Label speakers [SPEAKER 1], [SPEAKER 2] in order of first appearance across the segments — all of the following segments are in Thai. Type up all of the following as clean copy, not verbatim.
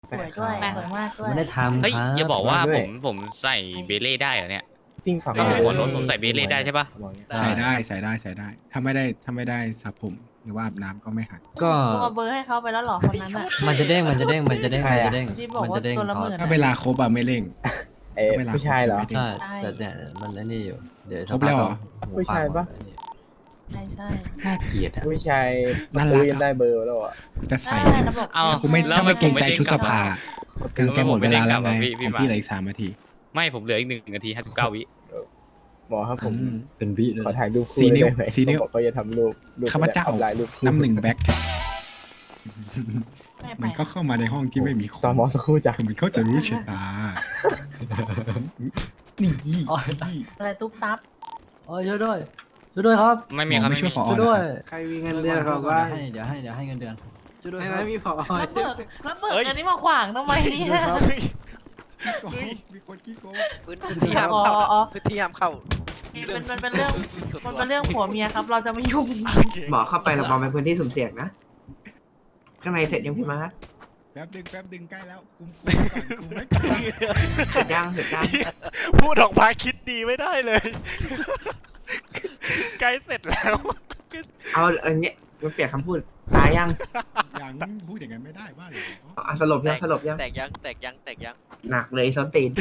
[SPEAKER 1] สวยด้วยสวยมากด้วย
[SPEAKER 2] ไม่ได้ทำ
[SPEAKER 3] เฮ้ย
[SPEAKER 2] ครับ
[SPEAKER 3] อย่าบอกว่า
[SPEAKER 4] ด้
[SPEAKER 3] ผ
[SPEAKER 4] วย
[SPEAKER 3] มใส่เบเล่ได้เหรอเนี่ย
[SPEAKER 4] จริงฝั่ง
[SPEAKER 3] หัวรถผมใส่เบเล่ได้ใช่ปะ
[SPEAKER 5] ใส่ได้ใส่ได้ใส่ได้ ถ้าไม่ได้สระผมหรือว่าอาบน้ำก็ไม่หัก
[SPEAKER 2] ก็
[SPEAKER 1] เอาเบอร์ให้เขาไปแล้วเหรอคนนั้นอ่ะ
[SPEAKER 2] มันจะเด้งมันจะเด้งมันจะเด้งมันจะเด้ง
[SPEAKER 1] ที่บอก
[SPEAKER 2] มัน
[SPEAKER 1] ว่า
[SPEAKER 2] จะเด้ง
[SPEAKER 1] ตัวละหมื่น
[SPEAKER 5] ถ้าเวลาครบอะไม่เร่ง เวลา
[SPEAKER 4] ผู้ชายเหรอ
[SPEAKER 5] คบจะไม่
[SPEAKER 2] ใช่
[SPEAKER 5] เร่ง
[SPEAKER 2] แต่เนี่ยมันไอ้นี่อยู่เดี๋ยว
[SPEAKER 5] ครบแล้วเหรอ
[SPEAKER 2] หู
[SPEAKER 4] ผู้ชายปะ
[SPEAKER 2] ฟังมันไอ้นี่
[SPEAKER 1] ใช่ใช่
[SPEAKER 2] น่าเกลียดอะ
[SPEAKER 4] ผู้ชาย
[SPEAKER 5] น่ารัก
[SPEAKER 4] คุยกันได้เบอร์แล้วอ่ะ
[SPEAKER 5] กูจะใส่
[SPEAKER 1] ระบบ
[SPEAKER 3] เอา
[SPEAKER 5] กูไม่
[SPEAKER 3] แล้ว
[SPEAKER 5] ถ้าไม่เกรงใจ
[SPEAKER 3] ผด้
[SPEAKER 5] ชุดสภา
[SPEAKER 3] ลับ
[SPEAKER 5] เกรงใจหมดเวลาแล้วไง
[SPEAKER 3] พี่
[SPEAKER 5] ของ
[SPEAKER 3] มา
[SPEAKER 5] พี่เหลืออีก3 นาที
[SPEAKER 3] ไม่ผมเหลืออีก1 นาที 59 วิ
[SPEAKER 4] หมอครับผม
[SPEAKER 5] อืม
[SPEAKER 2] เป็นวิเลย
[SPEAKER 4] ขอถ่ายรูปคู่
[SPEAKER 5] ซีนิ้ว
[SPEAKER 4] ได้ไหม
[SPEAKER 5] ซีนิ้ว
[SPEAKER 4] เขาบอกเขาจะทำรูป
[SPEAKER 5] ข้าพเจ้า
[SPEAKER 4] ลายรูปคู่
[SPEAKER 5] น้ำหนึ่งแบ็ค
[SPEAKER 1] ไม่ไป
[SPEAKER 5] มันก็เข้ามาในห้องที่ไม่มีค
[SPEAKER 4] ตอน
[SPEAKER 5] น
[SPEAKER 4] หมอสักครู่จ้ะ
[SPEAKER 5] คือมันเขาจะรู้ชะตา นี่ยี่
[SPEAKER 1] อะไรตุ๊บตับ
[SPEAKER 2] โอ้ยช่วยด้วยช่วยด้วยครับ
[SPEAKER 3] ไม่มีครับ
[SPEAKER 5] ไม่ช่วยผอ
[SPEAKER 2] ช่วยด้วย
[SPEAKER 6] ใครมีเงินเดือนเขาบ้าง
[SPEAKER 2] เดี๋ยวให้เงินเดือนช่วยด้วย
[SPEAKER 6] ไม่
[SPEAKER 2] ครับ
[SPEAKER 6] มีพอ
[SPEAKER 1] แล้วเบิกอันนี้มาขวางทำไมเนี่ย
[SPEAKER 5] มีคนขี้โกง
[SPEAKER 7] พื้นที่ห้ามเข้าพื้นที่ห้ามเข้า
[SPEAKER 1] มันเป็นเรื่อง
[SPEAKER 7] ส่วน
[SPEAKER 1] มัน
[SPEAKER 7] ตัว
[SPEAKER 1] เป็นเรื่องผัวเมียครับ เราจะไม่ยุ่ง
[SPEAKER 6] หมอเข้าไปเราบอกเป็นพื้นที่สุ่มเสี่ยงนะ ข้างในเสร็จยังพี่มาร์ท
[SPEAKER 5] แป๊บดึงใกล้แล้วคุมก่อนคุมไว้ก่อน
[SPEAKER 6] เสร็จยัง
[SPEAKER 8] พูดออกมาคิดดีไม่ได้เลย ใกล้เสร็จแล้ว
[SPEAKER 6] เอาอันเนี้ยมันเปลี่ยนคำพูดตายยัง
[SPEAKER 5] อย่างพูดอย่างนั้นไม่ได้บ้าเหรอ
[SPEAKER 6] อ่ะสลบยังสลบยัง
[SPEAKER 7] แตกยังแตกยังแตกยัง
[SPEAKER 6] หนักเลยส้นตีน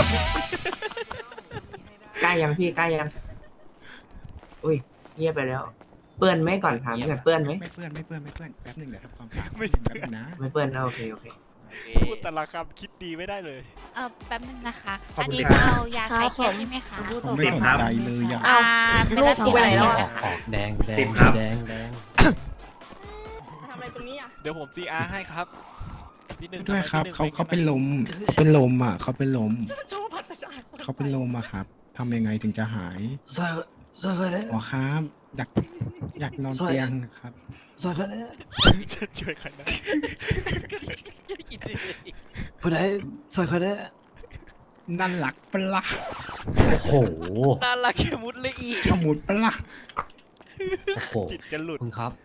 [SPEAKER 6] ใกล้ยังพี่ใกล้ยังอุ้ยเงียบไปแล้ว เปื้อนไหมก่อนถามก่อนเปื้อนไหม
[SPEAKER 5] ไม่เปื้อนแป๊บหนึงเดี๋ยวทำความสะอาด
[SPEAKER 8] ไม่
[SPEAKER 5] แป๊บนึงนะ
[SPEAKER 6] ไม่เปื้อนนะโอเค
[SPEAKER 8] พูดแต่ละคำคิดดีไม่ได้เลย
[SPEAKER 9] แป๊บนึงนะคะ
[SPEAKER 6] ขอบ
[SPEAKER 9] อัน
[SPEAKER 6] คุณ
[SPEAKER 9] นี้
[SPEAKER 6] ครั
[SPEAKER 9] จะ
[SPEAKER 6] บ
[SPEAKER 9] เอายาคลายเครียดใช่ไหมคะ
[SPEAKER 5] ผมไม่สนใจเลยอ่ะ
[SPEAKER 1] อ้าว
[SPEAKER 9] เป็นละ
[SPEAKER 1] ลูกไปไหนแล้วอะ
[SPEAKER 2] ออกแดง
[SPEAKER 1] ทำอะไรตรงนี้อ่ะ
[SPEAKER 8] เดี๋ยวผม CR ให้ครับพี่หนึ่ง
[SPEAKER 5] ด้วยครับ
[SPEAKER 8] ทำไมพี่หนึ่ง
[SPEAKER 5] เขาเป็นลมอ่ะเขาเป็นลมอ่ะครับทำยังไงถึงจะหาย
[SPEAKER 2] ซอยคนนี้
[SPEAKER 5] อ๋อครับอยากนอนเตียงครับ
[SPEAKER 2] ซอยคนนี้
[SPEAKER 8] จะช่วยใครได้
[SPEAKER 2] ผู้ใดซอยคนนี้
[SPEAKER 5] นั่นหลักปะละ
[SPEAKER 2] โอ้โห
[SPEAKER 7] น่ารักแค่มุดเลยอีก
[SPEAKER 5] ชะมุดปะละ
[SPEAKER 2] โอ้โห
[SPEAKER 8] จิตจะหลุด
[SPEAKER 2] คุณครับ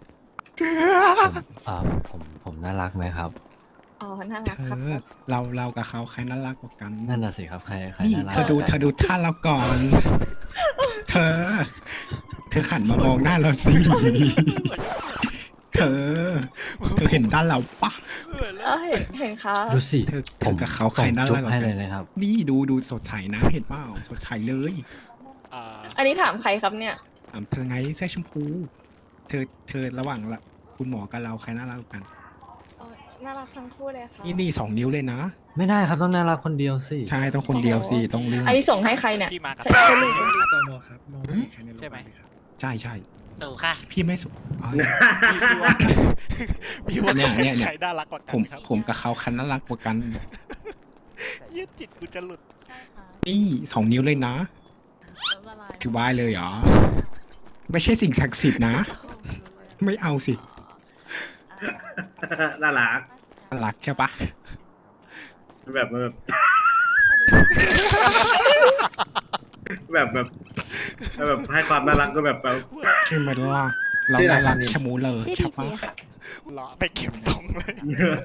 [SPEAKER 2] ผมน่ารักไหมครับ
[SPEAKER 1] อ๋อ น่ารัก
[SPEAKER 5] เธ
[SPEAKER 1] ครับ
[SPEAKER 5] อเรากับเขาใครน่ารักกว่ากัน
[SPEAKER 2] นั่นน่ะสิครับใคร
[SPEAKER 5] นี่
[SPEAKER 2] น่ารัก
[SPEAKER 5] เธอดูท่าเราก่อน เธอหันมามองหน้าเราสิเธอเห็นด้านเราปะ
[SPEAKER 1] เห็นครับ
[SPEAKER 2] ดูสิ
[SPEAKER 5] เธอกับเขาใครน่ารักกว่า
[SPEAKER 2] ให้
[SPEAKER 5] กั
[SPEAKER 2] เล
[SPEAKER 5] น
[SPEAKER 2] ยนะครับ
[SPEAKER 5] นี่ดูสดใสนะเห็นเปล่าสดใสเลย
[SPEAKER 8] อ่า
[SPEAKER 1] อันนี้ถามใครครับเนี่ย
[SPEAKER 5] ถามเธอไงเสื้อชมพู เธอระหว่างละคุณหมอกับเราใครน่ารักกว่ากัน
[SPEAKER 1] น่ารักทั้งคู่เลยค่ะ
[SPEAKER 5] นี่2 นิ้วเลยนะ
[SPEAKER 2] ไม่ได้ครับต้องน่ารักคนเดียวสิ
[SPEAKER 5] ใช่ต้องคนเดียวสิต้องเลือก
[SPEAKER 1] อันนี้ส่งให้ใครเนี่ย
[SPEAKER 8] พี่มากับ
[SPEAKER 1] ใช่ลูก
[SPEAKER 4] ตโมครับมองใครในโรงพยาบาลครับ
[SPEAKER 5] ใช่
[SPEAKER 3] ถูกค่ะ
[SPEAKER 5] พี่ไม่สุเอ้ย
[SPEAKER 8] พี่ว่า
[SPEAKER 5] เนี่ย
[SPEAKER 8] ใครน่ารักกว่ากั
[SPEAKER 5] ผม
[SPEAKER 8] นครับ
[SPEAKER 5] ผมกับเขาใครน่ารักกว่ากัน
[SPEAKER 8] ยืดจิตกูจะหลุด
[SPEAKER 1] ใช่ค่ะ
[SPEAKER 5] นี่2 นิ้วเลยนะ
[SPEAKER 1] ละลาย
[SPEAKER 5] ถือว่าเลยเหรอไม่ใช่สิ่งศักดิ์สิทธิ์นะ ไม่เอาสิ
[SPEAKER 6] น่ารัก
[SPEAKER 5] น่ารักใช่ปะ
[SPEAKER 6] แบบให้ความน่ารักก็แบบ
[SPEAKER 5] ใช่ไหมล่ะเราน่ารักชะมูเลยใช่ปะ
[SPEAKER 8] เลาะไปเก็บทรงเลย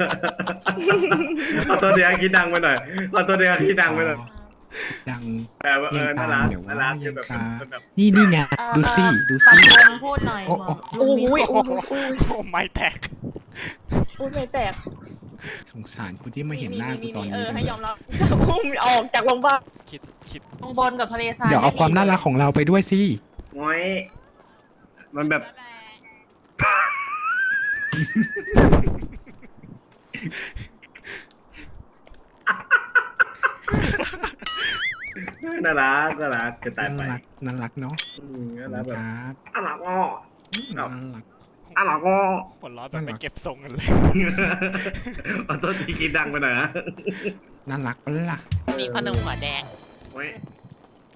[SPEAKER 6] เอาตัวเดียวคิดดังไปหน่อยเอาตัวเดียวคิดดังไปหน่อย
[SPEAKER 5] ดัง
[SPEAKER 6] แบบว่า
[SPEAKER 5] เยัง
[SPEAKER 6] น่า
[SPEAKER 5] ตา
[SPEAKER 6] รั
[SPEAKER 5] ม
[SPEAKER 6] ก
[SPEAKER 5] เดี๋ยว
[SPEAKER 6] น่า
[SPEAKER 5] ว่า
[SPEAKER 6] รัก
[SPEAKER 5] ยัง
[SPEAKER 6] แบบ
[SPEAKER 5] ตา
[SPEAKER 6] แบบ
[SPEAKER 5] นี่ไงดูสิ
[SPEAKER 1] ปรับวงพูดหน่อย
[SPEAKER 5] โอ้
[SPEAKER 1] บอก
[SPEAKER 5] โอ้
[SPEAKER 1] อุ้ย
[SPEAKER 8] โอ้ไม่แตก
[SPEAKER 1] อุ้ยไม่แตก
[SPEAKER 5] สงสารคนที่ไม่เห็นหน้ากูตอนนี้จัง
[SPEAKER 1] ให้
[SPEAKER 5] เลย
[SPEAKER 1] ยอมรับอุ้มออกจากโรงพยาบาล
[SPEAKER 8] คิด
[SPEAKER 1] ข้างบนกับทะเลทราย
[SPEAKER 5] เดี๋ยวเอาความน่ารักของเราไปด้วยสิ
[SPEAKER 6] ง้อยมันแบบน่ารักจะตาย
[SPEAKER 5] น่า
[SPEAKER 6] ไป
[SPEAKER 5] รักน่ารักเนาะ
[SPEAKER 6] น่ารักแบบ
[SPEAKER 5] ครับ
[SPEAKER 6] น่ารักอ้อ
[SPEAKER 5] น่ารัก
[SPEAKER 6] น่ารักอ้อ
[SPEAKER 8] ผลล้อแบบไปเก็บทรงกันเลย
[SPEAKER 6] เอาตัวทีคิดดังไปหน่อยนะ
[SPEAKER 5] น่ารักปะล่ะ
[SPEAKER 3] มีพ่อหนุ่มหัวแดง
[SPEAKER 6] โอ้ย